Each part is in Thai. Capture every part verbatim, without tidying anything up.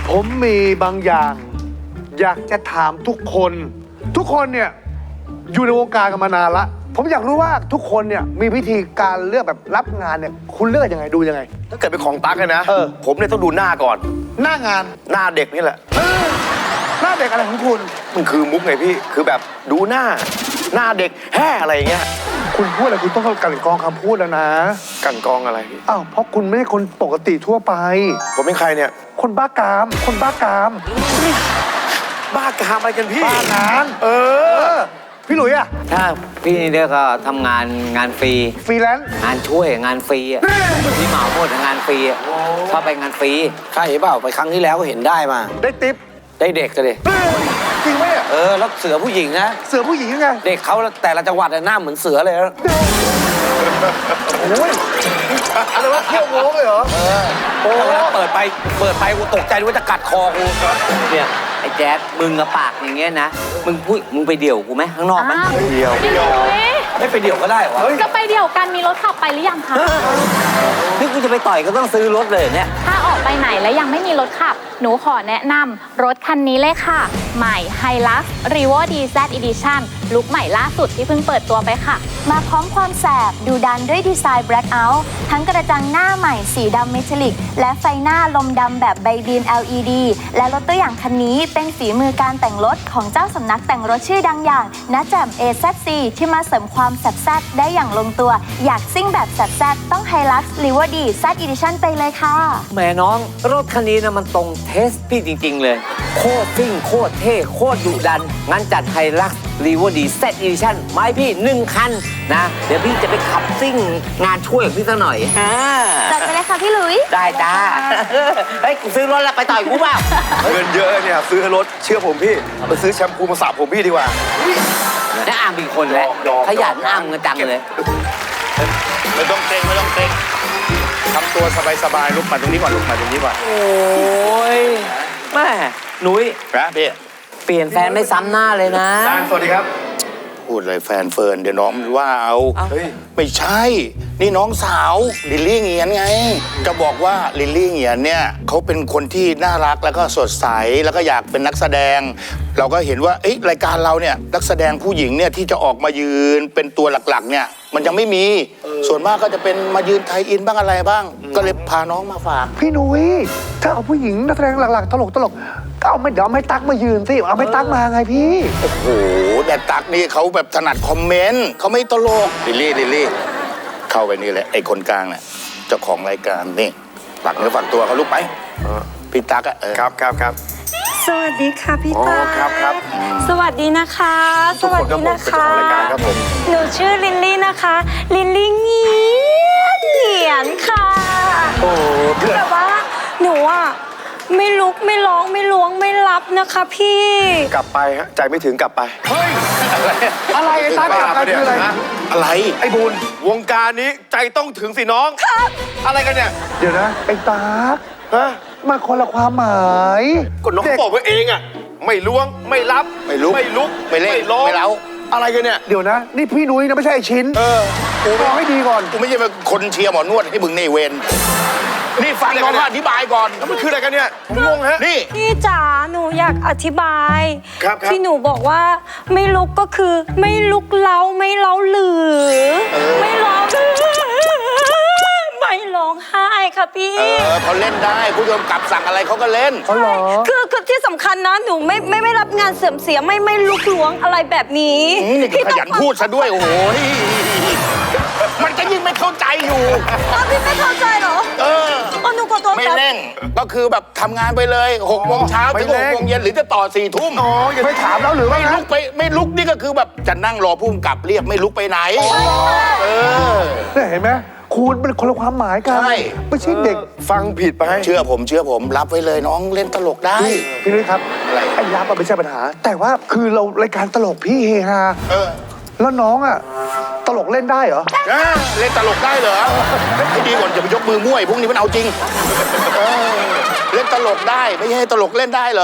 ผมมีบางอย่าง อยากจะถามทุกคน ทุกคนเนี่ยอยู่ในวงการกันมานานละผมอยากรู้ว่าทุกคนเนี่ยมีวิธีการเลือกแบบรับงานเนี่ยคุณเลือกยังไงดูยังไงถ้าเกิดเป็นของตั๊กเลยนะเออผมเนี่ยต้องดูหน้าก่อนหน้างานหน้าเด็กนี่แหละหน้าเด็กอะไรของคุณมันคือมุกไงพี่คือแบบดูหน้า หน้าเด็กแห่อะไรอย่างเงี้ยคุณพูดอะไรคุณต้องกลั่นกรองคำพูดแล้วนะกันกองอะไรพี่อ้าวเพราะคุณไม่ใช่คนปกติทั่วไปผมเป็นใครเนี่ยคนบ้ากาม คนบ้ากามบ้ากามอะไรกันพี่บ้างานเออพี่หลุยอะถ้าพี่นี่เดียวก็ทำงานงานฟรีฟรีแลนซ์งานช่วยงานฟรีอ่ะพี่เหมาหมดงานฟรีอ่ะชอบไปงานฟรีใช่เปล่าไปครั้งที่แล้วก็เห็นได้มาได้ติปได้เด็กกันเลยจริงไหมอะเออแล้วเสือผู้หญิงนะเสือผู้หญิงยังไงเด็กเขาแต่ละจังหวัดหน้าเหมือนเสือเลยนะโอ้ยอะไรวะเที่ยวโง่เลยเหรอโอ้เวลาเปิดไปเปิดไปกูตกใจว่าจะกัดคอกูเนี่ยไอ้แจ๊ดมึงกับปากอย่างเงี้ยนะมึงพูดมึงไปเดี่ยวกูไหมข้างนอกไหมเดียวพี่หลุยไม่ไปเดี่ยวก็ได้วะจะไปเดี่ยวกันมีรถขับไปหรือยังคะนี่กูจะไปต่อยก็ต้องซื้อรถเลยเนี่ยถ้าออกไปไหนแล้วยังไม่มีรถขับ หนูขอแนะนำรถคันนี้เลยค่ะ ใหม่ Hilux Revo ดี แซด Edition ลุคใหม่ล่าสุดที่เพิ่งเปิดตัวไปค่ะมาพร้อมความแสบดูดันด้วยดีไซน์ Blackout ทั้งกระจังหน้าใหม่สีดำเมทัลลิกและไฟหน้าลมดำแบบไบบีน แอล อี ดี และรถตัวอย่างคันนี้เป็นฝีมือการแต่งรถของเจ้าสำนักแต่งรถชื่อดังอย่างนะแจ่ม เอ แซด ซี ที่มาเสริมความแสบแซดได้อย่างลงตัว อยากซิ่งแบบแสบแซดต้อง Hilux Revo ดี แซด Edition ไปเลยค่ะแหมน้องรถคันนี้นะมันตรงเทสพี่จริง ๆ เลย โคตรซิ่งโคตรเท่โคตรดุดัน งั้นจัดไฮลักซ์รีโวดีเซตอีดิชั่นมาให้พี่หนึ่งคันนะ เดี๋ยวพี่จะไปขับซิ่งงานช่วยของพี่ซะหน่อยอ่าจัดไปเลยค่ะพี่หลุยได้จ้าเฮ้ยกูซื้อรถแล้วไปต่อยกูเปล่าเงินเยอะเนี่ยซื้อรถเชื่อผมพี่ไปซื้อแชมพูมาสระผมพี่ดีกว่าได้อ่างเป็นคนแล้วยอมขยันอ่างกันจังเลยไม่ต้องเกรงไม่ต้องเกรงทำตัวสบายๆลุกมาตรงนี้ก่อนลุกมาตรงนี้ก่อนโอ้ยแม่หนุ้ยนะพี่เปลี่ยนแฟนไม่ซ้ำหน้าเลยนะตานสวัสดีครับพูดเลยแฟนเฟิร์นเดี๋ยวน้องมันว่าเอาเอ้าเฮ้ยไม่ใช่ นี่น้องสาวลิลลี่เงียนไงจะบอกว่าลิลลี่เงียนเนี่ยเขาเป็นคนที่น่ารักแล้วก็สดใสแล้วก็อยากเป็นนักแสดง เราก็เห็นว่าเอ้ยรายการเราเนี่ยนักแสดงผู้หญิงเนี่ยที่จะออกมายืนเป็นตัวหลักๆเนี่ยมันยังไม่มีส่วนมากก็จะเป็นมายืนไทยอินบ้างอะไรบ้าง ก็เลยพาน้องมาฝากพี่นุ้ยถ้าเอาผู้หญิงนักแสดงหลักๆตลกตลกๆก็เอาไม่เดี๋ยวเอาไม่ตั๊กมายืนสิเอาไม่ตั๊กมาไงพี่โอ้โหแต่ตักนี่เขาแบบถนัดคอมเมนต์เขาไม่ตลกลิลลี่ลิลลี่เข้าไปนี่แหละไอ้คนกลางเนี่ยเจ้าของรายการนี่ฝากเนื้อฝากตัวเขาลูกไปพี่ตักอะเออครับครับครับสวัสดีค่ะพี่อ๋อตาครับครับสวัสดีนะคะทุกคนครับผมเป็นเจ้าของรายการครับผมหนูชื่อลินลี่นะคะ ลินลี่เงียนเงียนค่ะโอ้เพื่อนแต่ว่าหนูอ่ะไม่ลุกไม่ร้องไม่ล้วงไม่รับนะคะพี่กลับไปฮะใจไม่ถึงกลับไปเฮ้ยอะไรไอ้ตั๊กกับกันคืออะไรอะไรไอ้บูนวงการนี้ใจต้องถึงสิน้องครับอะไรกันเนี่ยเดี๋ยวนะไอ้ตั๊กฮะมันคนละความหมายก็น้องเด็กบอกไว้เองอ่ะไม่ล้วงไม่รับไม่ลุกไม่ลุกไม่เล่นร้องไม่เล้าอะไรกันเนี่ยเดี๋ยวนะ นี่พี่นุ้ยนะไม่ใช่ไอ้ชิ้นเออกูมองให้ดีก่อนกูไม่ใช่เป็นคนเชียร์หมอนวดให้มึงในเวรนี่ฟังน้องเขาอธิบายก่อนแล้วมันคืออะไรกันเนี่ยผมงงฮะนี่พี่จ๋าหนูอยากอธิบายครับครับที่หนูบอกว่าไม่ลุกก็คือไม่ลุกเล้าไม่เล้าหรือไม่ร้องไม่ร้องไห้ค่ะพี่เออเขาเล่นได้ผู้กำกับสั่งอะไรเขาก็เล่นอ๋อเหรอคือคือที่สำคัญนะหนูไม่ไม่ไม่รับงานเสื่อมเสียไม่ไม่ลุกล้วงอะไรแบบนี้อืมนี่ก็ขยันพูดซะด้วย โอ้โหมันก็ยิ่งไม่เข้าใจอยู่อ้าวพี่ไม่เข้าใจเหรอเอออ๋อหนูขอโทษไม่ครับเร่งก็คือแบบทำงานไปเลยหกโมงเช้าไม่ถึงหเร่กงโมงเย็นหรือจะต่อสี่ทุ่มอ๋ออย่าไปถามแล้วหรือว่าไม่ลุกไปไม่ลุกนี่ก็คือแบบจะนั่งรอผู้กำกับเรียกไม่ลุกไปไหน เออเนี่ยเห็นไหมคุณเป็นคนละความหมายกันใช่ไม่ใช่เด็กฟังผิดไปเชื่อผมเชื่อผมรับไว้เลยน้องเล่นตลกได้พี่พี่นุ้ยครับอะไรไอ้ยับอะไม่ใช่ปัญหา แต่ว่าคือเรารายการตลกพี่เฮฮาเออแล้วน้องอ่ะตลกเล่นได้เหรออ่ะเล่นตลกได้เหรอให้ดีก่อนอย่าไปยกมือมั่วไอ้พวกนี้มันเอาจริงเออเล่นตลกได้ไม่ใช่ตลกเล่นได้เหรอ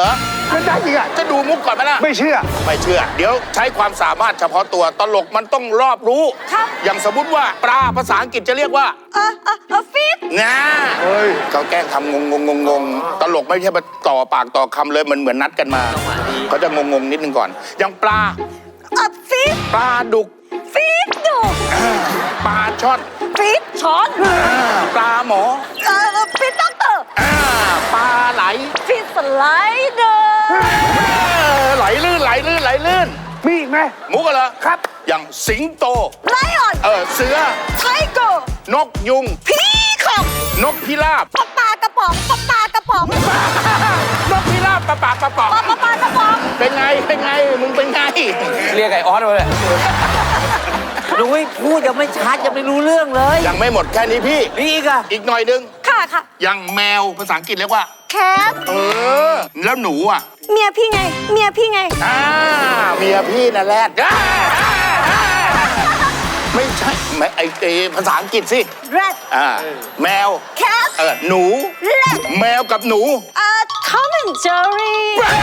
มันได้จริงอ่ะจะดูมุกก่อนไหมล่ะไม่เชื่อไม่เชื่อ เดี๋ยวใช้ความสามารถเฉพาะตัวตลกมันต้องรอบรู้ครับอย่างสมมติว่าปลาภาษาอังกฤษจะเรียกว่าเออเออเออฟิตงาเฮ้ยเขาแกล้งทำงงงงงงตลกไม่ใช่มาต่อปากต่อคำเลยมันเหมือนนัดกันมา เขาจะงงงนิดนึงก่อน อย่างปลาเออฟิตปลาดุกฟิตดุปลาช่อนฟิตช้อนอ่าปลาหมอเออฟิตด็อกเตอร์อ่าปลาไหลฟิตสไลเดอร์เออไหลลื่นไหลลื่นไหลลื่นมีอีกไหมมุกกันเหรอครับอย่างสิงโตไลออนเออเสือไทเกอร์นกยุงพีคอกนกพิราบปลาปลากระป๋องปลาปลากระป๋องนกพิราบปะปากปะปอกปลาปลาปลากระป๋องเป็นไง เป็นไง มึงเป็นไงเรียกไอ้ออสมาเลยหนูไม่พูดยังไม่ชัดยังไม่รู้เรื่องเลยยังไม่หมดแค่นี้พี่นี่อีกอะอีกหน่อยนึงค่ะค่ะอย่างแมวภาษาอังกฤษเรียกว่าแคทเออ แล้วหนูอ่ะเมียพี่ไง เมียพี่ไงอ่าเมียพี่น่ะแรดอ่าอ่าไม่ใช่ไม่ไอเอภาษาอังกฤษสิ rat อ่า แมว cat เออ หนู rat แมวกับหนูเอ่อ Tom and Jerry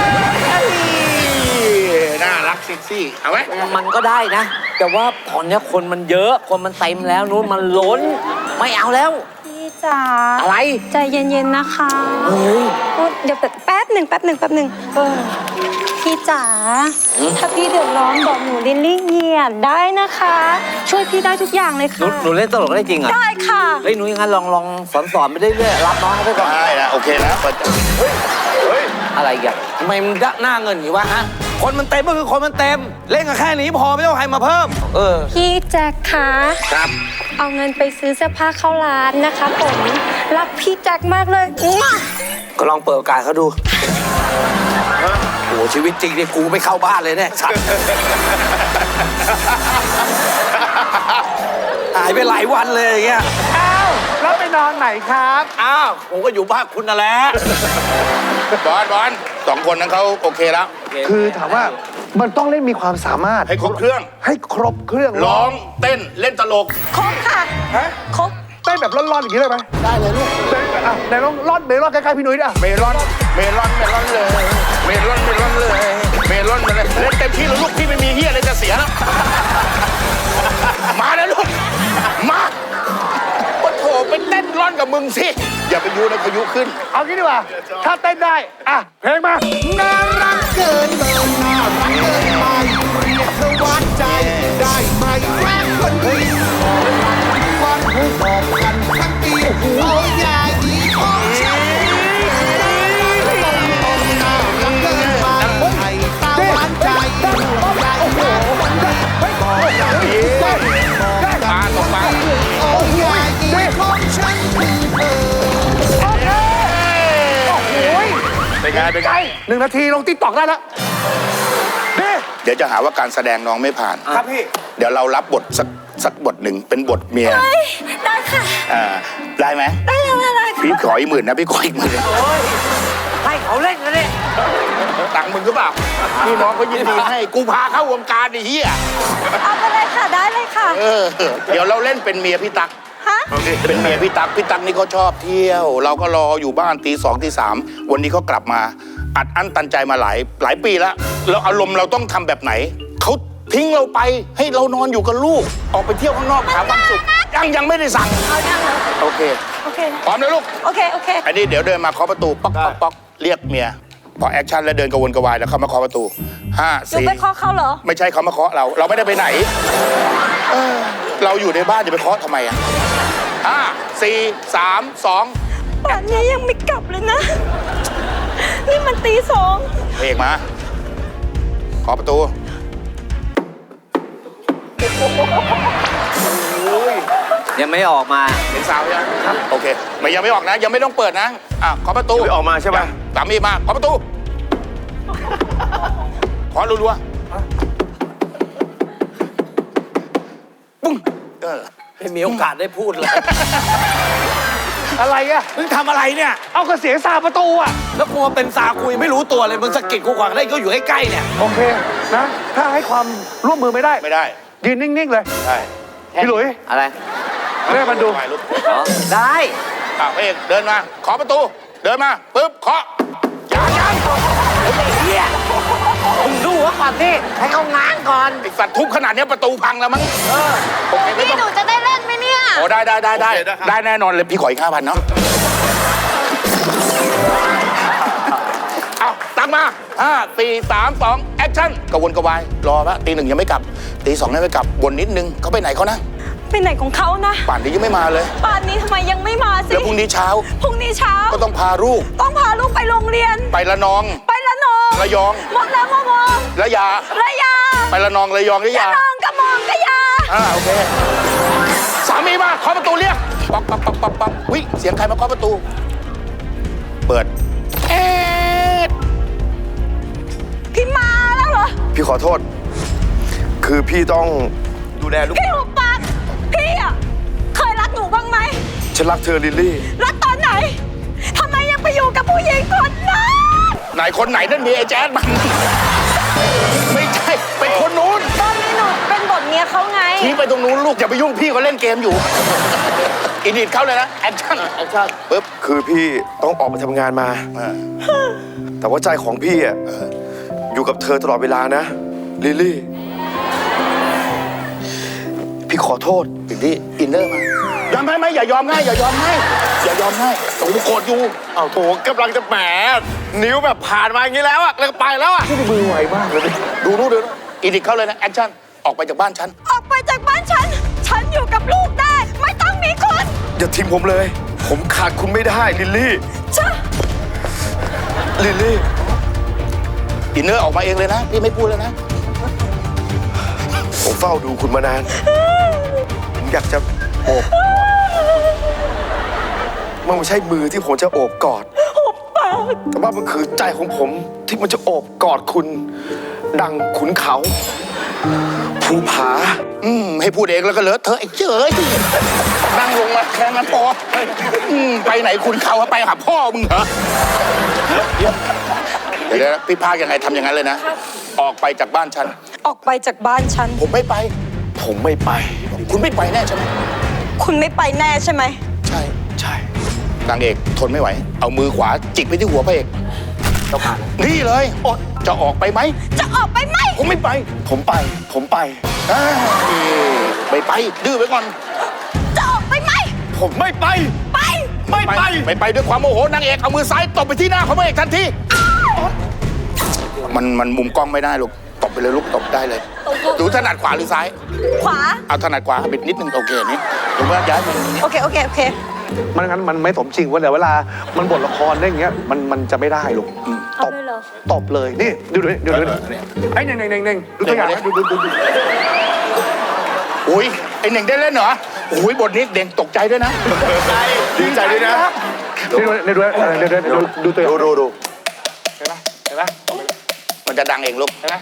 น่ารักเซ็กซี่ เอาไหมมันก็ได้นะ แต่ว่าตอนเนี้ยคนมันเยอะ คนมันเต็มแล้วนู้นมันล้น ไม่เอาแล้วพี่จ๋าอะไรใจเย็นๆนะคะเฮ้ยโอ๊ยเดี๋ยวแป๊บแป๊บหนึ่งแป๊บหนึ่งแป๊บหนึ่งเออพี่จ๋า ถ้าพี่เดือดร้อนบอกหนูลิลลี่เหยียดได้นะคะ ช่วยพี่ได้ทุกอย่างเลยหนูค่ะหนูเล่นตลกได้จริงเหรอได้ค่ะเฮ้ยหนูอยังงั้นลองลองสอนสอนไปเรื่อยๆรับน้องเขาไปก่อนได้นะ โอเคนะเปิดอะไรอีกันทำไมมึงหน้าเงินอยู่วะฮะ คนมันเต็มก็คือคนมันเต็ม เล่นกันแค่นี้พอไม่ต้องใครมาเพิ่ม เออพี่แจ็คคะครับเอาเงินไปซื้อเสื้อผ้าเข้าร้านนะคะผมรักพี่แจ็คมากเลยอุ๊ยก็ลองเปิดโอกาสเขาดูโอ้โหชีวิตจริงเนี่ยกูไม่เข้าบ้านเลยเนี่ยสัตว์หายไปหลายวันเลยอย่างเงี้ยอ้าว แล้วไปนอนไหนครับอ้าว ผมก็อยู่บ้านคุณนั่นแหละบอลบอลสองคนนั้นเขาโอเคแล้วคือถามว่ามันต้องเล่นมีความสามารถให้ครบเครื่องให้ครบเครื่องร้อง เต้น เล่นตลกครบค่ะฮะครบเต้นแบบร่อนๆอย่างนี้เลยไหมได้เลยลูกอ่ะไหนลองร่อนเมลอนใกล้ๆพี่นุ้ยดิอ่ะเมลอน เมลอน เมลอนเลย เมลอน เมลอนเลย เมลอนมาเลยเล่นเต็มที่แล้วลูกพี่ไม่มีเฮียอะไรจะเสียแล้ว มาแล้วลูก มาโอ้โถไปเต้นร่อนกับมึงสิ อย่าไปยูนะพายุขึ้นเอางี้ดีกว่า ถ้าเต้นได้ อ่ะ เพลงมาน่ารักเกินเบอร์น่ารักเกินไปเรียกเธอหวานใจ ได้ไหมแฟนคนดีวันผู้บอกกันทั้งปีโอ้ยยายีของฉันน่ารักเกินไปไอ้ตาหวานใจใหญ่แฟนคนดีบอกอย่าดีบอกอย่าโอ้ยยายีของฉันคือเธอเป็นไง เป็นไงหนึ่งนาทีลงติ๊กตอกได้แล้วนี่เดี๋ยวจะหาว่าการแสดงน้องไม่ผ่านครับพี่เดี๋ยวเรารับบทสักสักบทหนึ่งเป็นบทเมียได้ค่ะอ่า ได้ไหมได้ได้ได้ค่ะพี่ขออีกหมื่นนะ พี่ขออีกหมื่นให้เขาเล่นกันเลยตังค์มึงหรือเปล่าพี่น้องเขายินดีให้ กูพาเข้าวงการไอ้เหี้ยเอาไปเลยค่ะ ได้เลยค่ะเออ เดี๋ยวเราเล่นเป็นเมียพี่ตั๊กฮะเป็นเมียพี่ตั๊กพี่ตั๊กนี่เขาชอบเที่ยว เราก็รออยู่บ้านตีสองตีสามวันนี้เขากลับมา อัดอั้นตันใจมาหลายหลายปีแล้วแล้วอารมณ์เราต้องทำแบบไหนเขาทิ้งเราไปให้เรานอนอยู่กับลูก ออกไปเที่ยวข้างนอกหาความสุขยังยังไม่ได้สั่งเอายังเหรอโอเคโอเคพร้อมนะลูกโอเค โอเคอันนี้เดี๋ยวเดินมาเคาะประตูป๊อกป๊อกป๊อกเรียกเมียพอแอคชั่นแล้วเดินกระวนกระวายแล้วเข้ามาเคาะประตูห้าหนูสี่ไปเคาะเขาเหรอไม่ใช่เขามาเคาะเรา เราไม่ได้ไปไหนเออเราอยู่ในบ้านจะไปเคาะทำไมอ่ะห้าสี่สามสองป่านนี้ยังไม่กลับเลยนะ นี่มันตีสองเพลงมาเคาะประตูยังไม่ออกมาเห็นสาวยังครับโอเคไม่ยังไม่ออกนะ ยังไม่ต้องเปิดนะอ่ะเคาะประตูไม่ออกมาใช่ไหมสามีมาเคาะประตูเคาะรัวๆปุ้งเออไม่มีโอกาสได้พูดเลยอะไรอ่ะมึงทำอะไรเนี่ยเอากระเสียงซาประตูอ่ะแล้วกลัวเป็นสาคุยไม่รู้ตัวเลย มึงสะกิดกูขวางได้ก็อยู่ใกล้ๆเนี่ยโอเค นะ ถ้าให้ความร่วมมือไม่ได้ไม่ได้ยืนนิ่ง ๆ เลยใช่พี่หลุยอะไรเรียกมันดูถ่ายรูปอ๋อได้อ่ะพระเอกเดินมาเคาะประตู เดินมาปึ๊บเคาะยังยังก่อนพี่ให้เขาง้างก่อนไอสัตว์ทุบขนาดเนี้ยประตูพังแล้วมั้งโอเคไม่พี่ต้องหนูจะได้เล่นไหมเนี่ยโอ้ได้ได้ได้ได้ได้แน่นอนเลยพี่ขออีกห้าพันเนาะเอาตั้งมาห้าสี่สามสองแอคชั่นกระวนกระวายรอปะตีหนึ่งยังไม่กลับตีสองยังไม่กลับวนนิดนึงเขาไปไหนเขานะไปไหนของเขานะป่านนี้ยังไม่มาเลยป่านนี้ทำไมยังไม่มาสิแล้วพรุ่งนี้เช้าพรุ่งนี้เช้าก็ต้องพาลูกต้องพาลูกไปโรงเรียนไปละนองไปละนองระยองมองแล้วมองมองระยาระยาไปละนองระยองระละยานองกระมองกระยาอ่าโอเคสามีมาเคาะประตูเรียกป๊อกป๊อกป๊อกป๊อกป๊อกวิเสียงใครมาเคาะประตู เปิดเอ๊ะพี่มาแล้วเหรอพี่ขอโทษ คือพี่ต้องดูแลลูกพี่หุบปากพี่อ่ะเคยรักหนูบ้างไหมฉันรักเธอลิลลี่รักตอนไหนทำไมยังไปอยู่กับผู้หญิงคนนั้นไหนคนไหนนั่นมีไอ้แจ๊ดมันไม่ใช่เป็นคนนู้นตอนนี้หนูเป็นบทเมียเขาไงชี้ไปตรงนู้นลูกอย่าไปยุ่งพี่เขาเล่นเกมอยู่อินดิทเข้าเลยนะแอคชั่นแอคชั่นปึ๊บคือพี่ต้องออกไปทำงานมาอ่าแต่ว่าใจของพี่อ่ะอยู่กับเธอตลอดเวลานะลิลลี่ พี่ขอโทษอินดี้อินเนอร์มายอมให้ไหมอย่ายอมง่ายอย่ายอมให้อย่ายอมให้โอ้โหโกรธอยู่เอาโถกำลังจะแหมนิ้วแบบผ่านมาอย่างนี้แล้วอะแล้วก็ไปแล้วอะมือไวมากเลยดูดูดูอินดิทเข้าเลยนะแอคชั่นออกไปจากบ้านฉันออกไปจากบ้านฉัน ฉันอยู่กับลูกได้ ไม่ต้องมีคนอย่าทิ้งผมเลย ผมขาดคุณไม่ได้ลิลลี่จ้ะลิลลี่อินเนอร์ออกมาเองเลยนะพี่ไม่พูดแล้วนะผมเฝ้าดูคุณมานาน ผมอยากจะโอบมันไม่ใช่มือที่ผมจะโอบกอด แต่ว่ามันคือใจของผมที่มันจะโอบกอดคุณ ดังขุนเขาภูผาอืมให้พูดเองแล้วก็เลอะเธอะไอ้เจ๋ยนั่งลงมาแค่นั้นพออืมไปไหนคุณเขาอะไปหาพ่อมึงเหรอเดี๋ยวนะพี่พากยังไงทำอย่างนั้นเลยนะ ออกไปจากบ้านฉันออกไปจากบ้านฉันผมไม่ไปผมไม่ไปคุณไม่ไปแน่ใช่ไหมคุณไม่ไปแน่ใช่ไหมใช่ใช่นางเอกทนไม่ไหว เอามือขวาจิกไปที่หัวพระเอกนี่เลยอดจะออกไปไหมจะออกไปไหมผมไม่ไปผมไป ผมไปอ่าไม่ไป ดื้อไว้ก่อนจะออกไปไหมผมไม่ไปไปไม่ไปไม่ไปด้วยความโมโหนางเอกเอามือซ้ายตบไปที่หน้าของพระเอกทันทีมันมันมุมกล้องไม่ได้ลูกตบไปเลยลูกตบได้เลยดูถนัดขวาหรือซ้ายขวาเอาถนัดขวาบิดนิดนึงโอเคนี่ผมว่าย้ายมาอย่างนี้โอเค โอเค โอเคมันงั้นมันไม่สมจริงเว่าเดี๋ยวเวลา มันบทละครได้อย่างเงี้ย มันมันจะไม่ได้ลูกตบตบเลย นี่ ดูดูดูดูไอ้เน่งเน่งเน่งเน่งดูตัวอย่างนะดูดูดูดูอุ้ยไอเน่งได้เล่นเหรอโอ้ยบทนี้เด่งตกใจด้วยนะดีใจด้วยนะนี่ดูนี่ดูเดี๋ยวเดี๋ยวดูดูตัวอย่างดูดูดูเห็นไหมเห็นไหมมันจะดังเองลูกเห็นไหม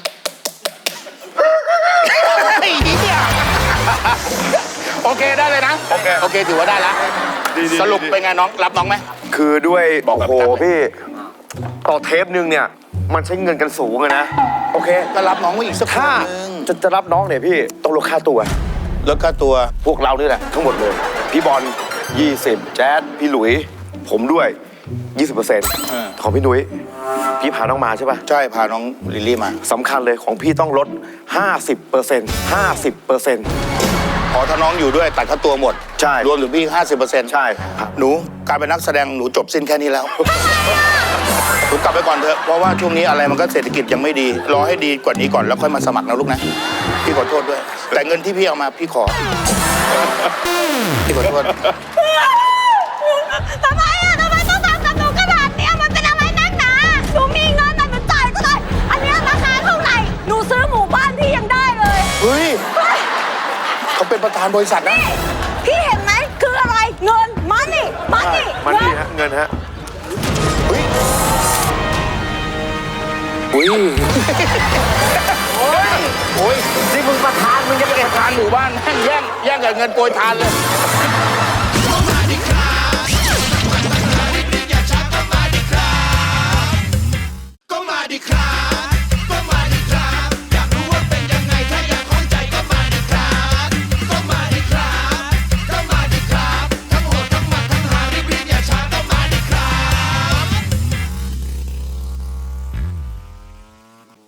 ไอ้เหี้ยโอเคได้เลยนะโอเคโอเคถือว่าได้แล้วสรุปเป็นไงน้องรับน้องไหมคือด้วยบอกแบบโอ้โหจัดเลยพี่ ต่อเทปหนึ่งเนี่ย มันใช้เงินกันสูงอะนะ โอเคก็รับน้องไว้อีกสักคนถ้านึงจะจะรับน้องเนี่ยพี่ ต้องลดค่าตัวแล้วก็ตัวพวกเรานี่แหละ ทั้งหมดเลย พี่บอลยี่สิบแจ๊ดพี่หลุย ผมด้วย ยี่สิบเปอร์เซ็นต์เออของพี่นุ้ย พี่พาน้องมาใช่ปะใช่พาน้องลิลลี่มาสำคัญเลยของพี่ต้องลด ห้าสิบเปอร์เซ็นต์ ห้าสิบเปอร์เซ็นต์พอถ้าน้องอยู่ด้วยตัดค่าตัวหมดใช่รวมถึงพี่ห้าสิบเปอร์เซ็นต์ใช่หนูการเป็นนักแสดงหนูจบสิ้นแค่นี้แล้ว หนูกลับไปก่อนเถอะเพราะว่าช่วงนี้อะไรมันก็เศรษฐกิจยังไม่ดี รอให้ดีกว่านี้ก่อนแล้วค่อยมาสมัครนะลูกนะ พี่ขอโทษด้วย แต่เงินที่พี่เอามาพี่ขอ พี่ขอโทษทำไมอ่ะทำไมต้องทำกับหนูขนาดเนี้ยมันเป็นอะไรนักหนาหนูมีเงินแต่หนูจ่ายก็ได้ อันเนี้ยราคาเท่าไหร่ หนูซื้อหมู่บ้านพี่ยังได้เลยเฮ้ยเขาเป็นประธานบริษัทนะพี่เห็นไหมคืออะไร เงิน มันนี่ มันนี่มันนี่ฮะ เงินฮะอุ้ย โอ้ยนี่มึงประธานมึงจะไปประธานหมู่บ้านแย่งแย่งแย่งกับเงินโปรยทานเลย